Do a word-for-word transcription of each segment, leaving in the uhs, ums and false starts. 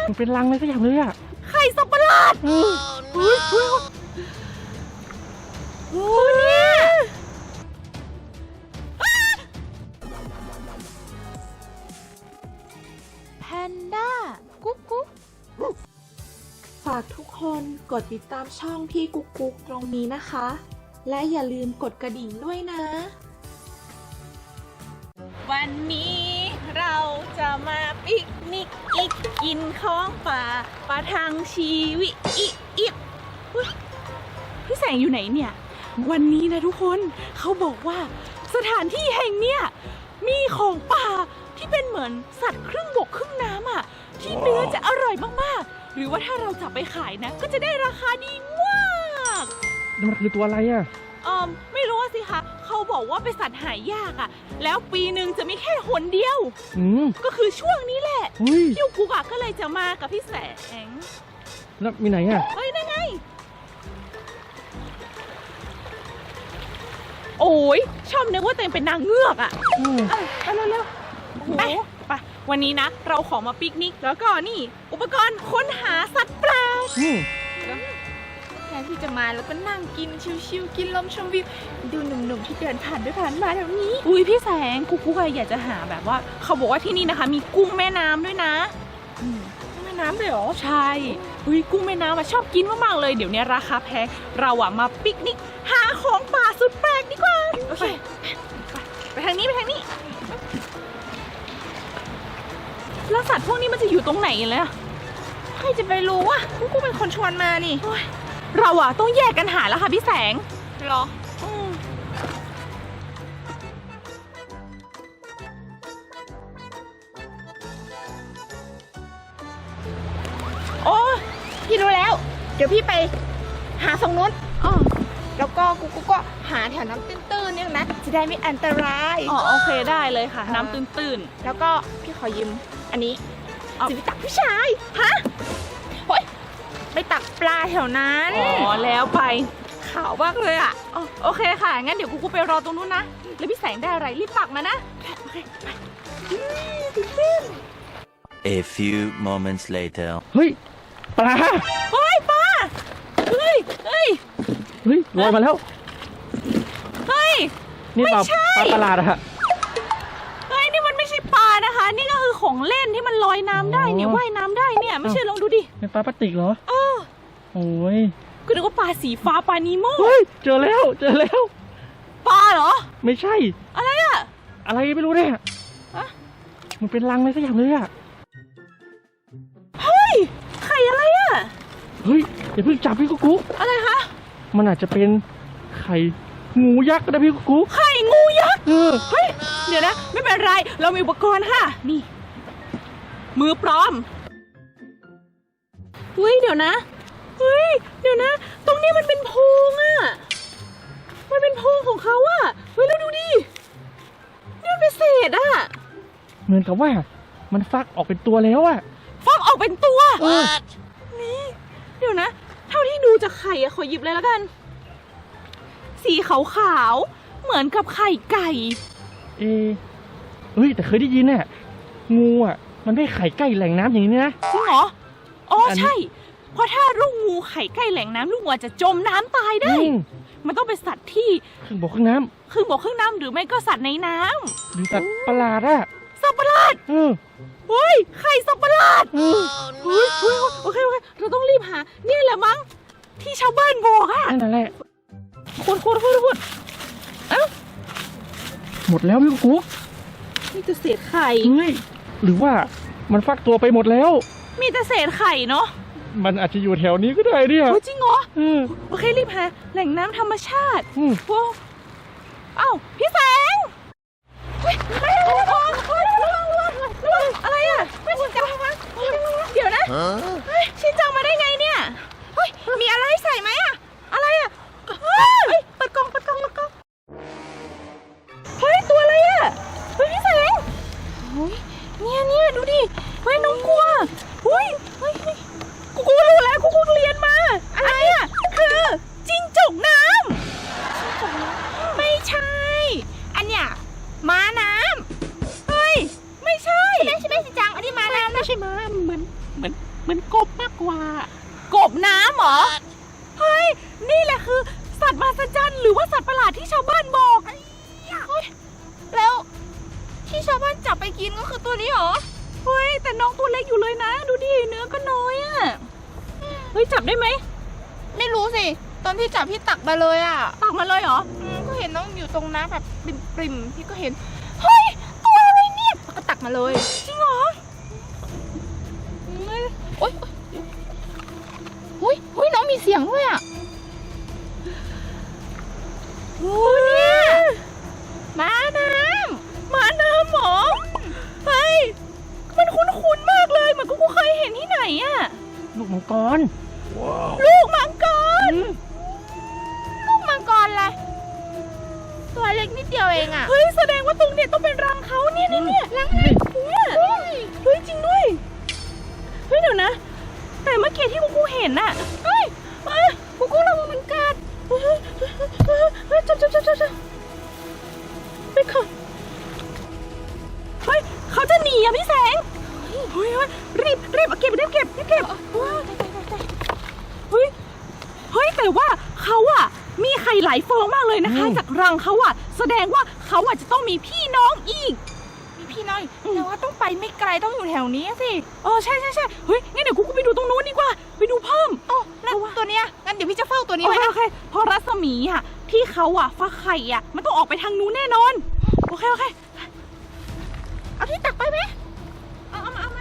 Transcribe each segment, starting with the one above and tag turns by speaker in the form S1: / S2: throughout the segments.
S1: มันเป็นรังเลยก็อย่างเลยอ่ะ
S2: ไข่สับประหลาดเฮ้ยเฮ้ยเฮ้ยโอ้เนี่ยแพนด้ากุ๊กกุ๊ก
S3: ฝากทุกคนกดติดตามช่องพี่กุ๊กกุ๊กตรงนี้นะคะ และอย่าลืมกดกระดิ่งด้วยนะ
S2: วันนี้เราจะมาปิกนิกอีกกินของป่าประทังชีวิตอีกอีกพี่แสงอยู่ไหนเนี่ยวันนี้นะทุกคนเขาบอกว่าสถานที่แห่งเนี้ยมีของป่าที่เป็นเหมือนสัตว์ครึ่งบกครึ่งน้ำอ่ะที่เนื้อจะอร่อยมากๆหรือว่าถ้าเราจับไปขายนะก็จะได้ราคาดีมาก
S1: มันคือตัวอะไรอ่ะ
S2: เออไม่รู้สิคะเขาบอกว่าเป็นสัตว์หายากอ่ะแล้วปีหนึ่งจะมีแค่หนเดียว
S1: อืม
S2: ก็คือช่วงนี้แหละพี่กุ๊กก็เลยจะมากับพี่แสง
S1: แล้วมีไหนอ่ะ
S2: เฮ้ยนั่นไงโอ้ยชอบนึกว่าตัวเองเป็นนางเงือกอ่ะไปเร็วๆไปไปวันนี้นะเราขอมาปิกนิกแล้วก็นี่อุปกรณ์ค้นหาสัตว์แปลกแทนที่จะมาแล้วก็นั่งกินชิวๆกินลมชมวิวดูหนุ่มๆที่เดินผ่านด้วยผ่านมาแถวนี้อุ้ยพี่แสงกุ๊กกุ๊กอยากจะหาแบบว่าเขาบอกว่าที่นี่นะคะมีกุ้งแม่น้ำด้วยนะกุ้งแม่น้ำเลยเหรอใช่อุ้ยกุ้งแม่น้ำชอบกินมากๆเลยเดี๋ยวนี้ราคาแพงเราอะมาปิกนิกหาของป่าสุดแปลกดีกว่าโอเคไปทางนี้ไปทางนี้แล้วสัตว์พวกนี้มันจะอยู่ตรงไหนเลยใครจะไปรู้วะกุ๊กเป็นคนชวนมานี่เราอะต้องแยกกันหาแล้วค่ะพี่แสงหรอโอ้พี่รู้แล้วเดี๋ยวพี่ไปหาตรงนู้นอ๋อแล้วก็กูกูก็หาแถวน้ำตื้นๆเนี่ยนะจะได้ไม่อันตรายอ๋อโอเคได้เลยค่ะน้ำตื้นๆแล้วก็พี่ขอยืมอันนี้จะไปตักผู้ชายฮะโอ๊ยไปตักปลาแถวนั้นอ๋อแล้วไปขาวมากเลยอ่ะโอเคค่ะงั้นเดี๋ยวกูกูไปรอตรงนู้นนะแล้วพี่แสงได้อะไรรีบตักมานะโอเคไป
S4: A few moments later
S1: เฮ้ยปลา
S2: เฮ้ยปลาเฮ้ยเฮ้ย
S1: เฮ้ยลอยมาแล้ว
S2: เฮ้ย
S1: นี่ปลาปลาประหลาดอะฮะ
S2: เฮ้ยนี่มันไม่ใช่ปลานะคะนี่ก็คือของเล่นที่มันลอยน้ำได้เนี่ยว่ายน้ำได้เนี่ยไม่เชื่อลองดูดิ
S1: เป็นปลาพลาสติกเหรอ
S2: เออ
S1: โอ้ย
S2: ก็นึกว่าปลาสีฟ้าปลานีโม่
S1: เฮ้ยเจอแล้วเจอแล้ว
S2: ปลาเหรอ
S1: ไม่ใช่
S2: อะไรอะ
S1: อะไรไม่รู้เนี่ยมันเป็นรังเลยก็อย่างเลยอะ
S2: เฮ้ยไข่อะไรอะ
S1: เฮ้ยอย่าเพิ่งจับพี่กุ๊กกุ๊ก
S2: อะไรคะ
S1: มันอาจจะเป็นไข่งูยักษ์นะพี่กุ๊กกุ๊ก
S2: ไข่งูยักษ์เฮ้ยเดี๋ยวนะไม่เป็นไรเรามีอุปกรณ์ค่ะนี่มือปลอมเฮ้ยเดี๋ยวนะเฮ้ยเดี๋ยวนะตรงนี้มันเป็นโพรงอะมันเป็นโพรงของเขาอะเฮ้ยแล้วดูดินี่มันเป็นเศษอะ
S1: เหมือนกับว่ามันฟักออกเป็นตัวแล้วอะ
S2: ฟักออกเป็นตัวนี่เดี๋ยวนะเท่าที่ดูจากไข่อะขอหยิบเลยแล้วกันสีขาวๆเหมือนกับไข่ไก่
S1: เอเฮ้ยแต่เคยได้ยินเนี่ยงูอ่ะมันไม่ไข่ใกล้แหล่งน้ำอย่างนี้นะ
S2: จริงเหรออ๋อใช่เพราะถ้าลูกงูไข่ใกล้แหล่งน้ำลูกงูจะจมน้ำตายได้มันต้องเป็นสัตว์ที่
S1: ครึ่งบกครึ่งน้
S2: ำครึ่งบกครึ่งน้ำหรือไม่ก็สัตว์ในน้
S1: ำหรือสัตว์ประหลาดอะ
S2: สัตว์ประหลาด
S1: เออ
S2: เฮ้ยไข่สัตว์ประหลาดเฮ้ยเฮ้ยโอเคโอเคเราต้องรีบหานี่แหละมั้งที่ชาวบ้านบอกอะ
S1: นั่นแหละ
S2: ขุดขุดขุดขุดเอ้า
S1: หมดแล้วพี่กุ๊ก
S2: มีแต่เศษไข่
S1: เฮ้ยหรือว่ามันฟักตัวไปหมดแล้ว
S2: มีแต่เศษไข่เนาะ
S1: มันอาจจะอยู่แถวนี้ก็ได้เนี่ย
S2: จริงเหรอโอเครีบหาแหล่งน้ำธรรมชาติโอ้เอ้าพี่แสงอะไรอ่ะไม่ชินจังเดี๋ยวนะชินจังมาได้ไงเนี่ยเฮ้ยมีอะไรใส่ไหมอ่ะอะไรอ่ะเฮ้ยเปิดกล่องเปิดกล่องเปิดกล่องเฮ้ยตัวอะไรอ่ะเฮ้ยพี่แสงเฮ้ยเนี่ยเนี่ยดูดิเฮ้ยน้องกลัวเฮ้ยเฮ้ยกูกูรู้แล้วกูกูเรียนมาอะไรอ่ะคือจิ้งจกน้ำไม่ใช่อันเนี้ยม้าน้ำเฮ้ยไม่ใช่ใช่ไหมใช่ไหมสิจังอันนี้ม้าน้ำไม่ใช่ม้าเหมือนเหมือนกว่า กบน้ำเหรอ เฮ้ย นี่แหละคือ สัตว์มหัศจรรย์หรือว่าสัตว์ประหลาดที่ชาวบ้านบอกเฮ้ยแล้วที่ชาวบ้านจับไปกินก็คือตัวนี้เหรอ เฮ้ย แต่น้องตัวเล็กอยู่เลยนะ ดูดิ เนื้อก็น้อยอะเฮ้ย จับได้ไหม
S5: ไม่รู้สิ ตอนพี่จับพี่ตักมาเลยอ่ะ
S2: ตักมาเลยเหรอ
S5: อืมก็เห็นน้องอยู่ตรงน้ำแบบปริมๆพี่ก็เห็น เฮ้ย ตัวอะไรเนี่ยแล้วก็ตักมาเลย
S2: จริงเหรอ
S5: โอ๊ยโอ๊ยโอ๊ยน้องมีเสียงด้วยอ่ะ
S2: โอ้เนี่ยม้าน้ำม้าน้ำหรอ เฮ้ย มันคุ้นๆมากเลย เหมือนกูเคยเห็นที่ไหนอะ
S1: ลูกมังกร
S2: ลูกมังกร
S5: ลูกมังกรอะไรตัวเล็กนิดเดียวเองอ่ะ
S2: เฮ้ย แสดงว่าตรงเนี้ยต้องเป็นรังเขาเนี่ยเนี่ยเนี่ยรังเนี่ยเนี่ยเฮ้ย จริงด้วย เฮ้ย เดี๋ยวนะ แต่เมื่อกี้ที่กูกูเห็นน่ะ เฮ้ยเอ้ยกูกูระวังมันกัดเฮ้ยเฮ้ยเฮ้ยเฮ้ยจับจับจับจับจับไปก่อนเฮ้ย เขาจะหนีอ่ะพี่แสง เฮ้ยเฮ้ยรีบรีบเอาเก็บรีบเก็บรีบเก็บเฮ้ย เฮ้ย แต่ว่าเขาอะมีไข่หลายฟองมากเลยนะคะ
S1: อืม
S2: จากรังเขาอะแสดงว่าเขาอะจะต้องมีพี่น้องอีก
S5: มีพี่น้องอีกแต่ว่าต้องไปไม่ไกลต้องอยู่แถวนี้สิ
S2: เออใช่ใช่ใช่เฮ้ยงั้นเดี๋ยวกูกูไปดูตรงนู้นดีกว่า ไปดูเพิ่ม
S5: อ๋อแล้วตัวเนี้ยงั้นเดี๋ยวพี่จะเฝ้าตัวนี้
S2: โอ
S5: ไว้
S2: เค
S5: นะ
S2: โอเคเพราะรัศมีอะที่เขาอะฟักไข่อะมันต้องออกไปทางนู้นแน่นอน โอเคโอเค
S5: เอาที่ตักไปไหม
S2: เอาเอามาเอามา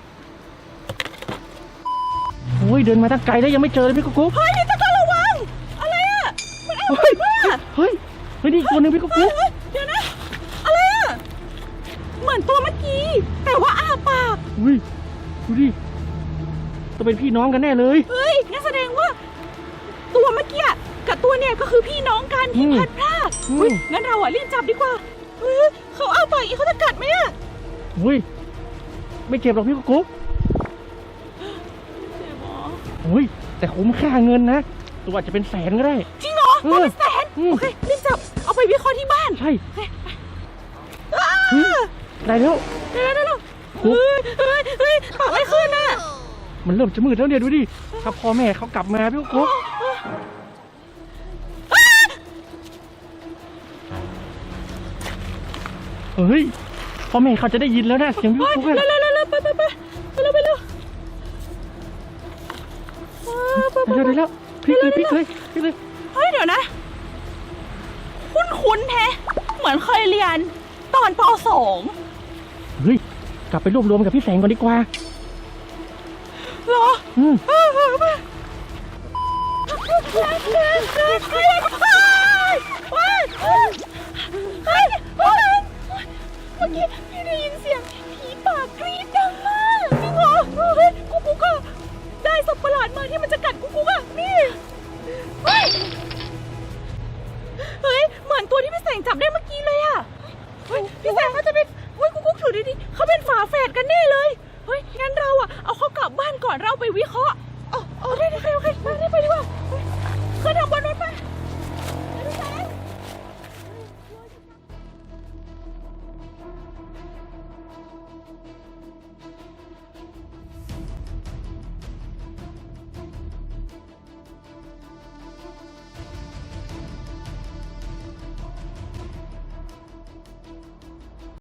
S1: โอ้ยเดินมาตั้งไกลแล้วยังไม่เจอเลยพี่กุ๊กกุ๊ก
S2: เฮ้ยพี่ตะกร้าระวัง อะไรอะมันเอา
S1: เฮ้ย
S2: ไปว่า
S1: เฮ้ยเฮ้ยนี่อีกตัวหนึ่งพี่กุ๊ก
S2: เฮ้
S1: กุ๊
S2: ย
S1: ก
S2: เฮ้ยเดี๋ยวนะ อะไรอะเหมือนตัวเมื่อกี้ แต่ว่าอ้าปาก
S1: อุ้ยดูดิต้องเป็นพี่น้องกันแน่เลย
S2: เฮ้ยงั้นแสดงว่า ตัวเมื่อกี้กับตัวเนี่ยก็คือพี่น้องกันที่
S1: อืม
S2: พลัดพราก
S1: อืม
S2: เฮ้ยงั้นเราอ่ะรีบจับดีกว่าเฮ้ยเขาเอาไปอีกเขาจะกัดไหมอ่ะ
S1: อุ้ยไม่เจ็บหรอกพี่กุ๊กกุ๊ก
S2: เจ็บหรอ
S1: อุ้ยแต่คุ้มค่าเงินนะตัวอาจจะเป็นแสนก็ได้
S2: จริงเหรอ
S1: เออ
S2: ตัวเป็นแสน
S1: อืม
S2: โอเครีบจับเอาไปวิเคราะห์ที่บ้าน
S1: ใช่
S2: อ้า
S1: เฮ้ยได้แล้ว
S2: เดี๋ยวเดี๋ยวเดี๋ยว
S1: กุ๊ก
S2: เฮ้ยเฮ้ยเฮ้ยปากไม่ขึ้นอ่ะ
S1: มันเริ่มจะมืดแล้วเนี่ยดูดิถ้าพ่อแม่เขากลับมาพี่กุ๊กกุ๊กเฮ้ยพ่อแม่เขาจะได้ยินแล้วนะเสียงพี่
S2: เฮ้ย
S1: กุ๊กกุ๊ก
S2: เร็ว
S1: อะ
S2: เร็วเร็วเร็วไปไปไปไปเร็วไปเร็วเออไปไป
S1: เดี๋ยว
S2: ไป
S1: เดี๋ยวพลิกเลยพลิกเลยพลิกเลย
S2: เฮ้ยเดี๋ยวนะ คุ้นๆแฮะเหมือนเคยเรียนตอนป สอง
S1: เฮ้ยกลับไปรวบรวมกับพี่แสงก่อนดีกว่า
S2: เหรอ
S1: อืม
S2: เออเออเออเฮ้ยเฮ้ยเฮ้ยเฮ้ยเฮ้ยเฮ้ยเฮ้ยเฮ้ยเมื่อกี้พี่ได้ยินเสียงผีปากกรี๊ดดังมากจริงเหรอเฮ้ยกูกูก็ได้สัตว์ประหลาดมาที่มันจะกัดกูกูอ่ะนี่เฮ้ยเฮ้ยเหมือนตัวที่พี่แสงจับได้เมื่อกี้เลยอ่ะเฮ้ยพี่แสงเขาจะไป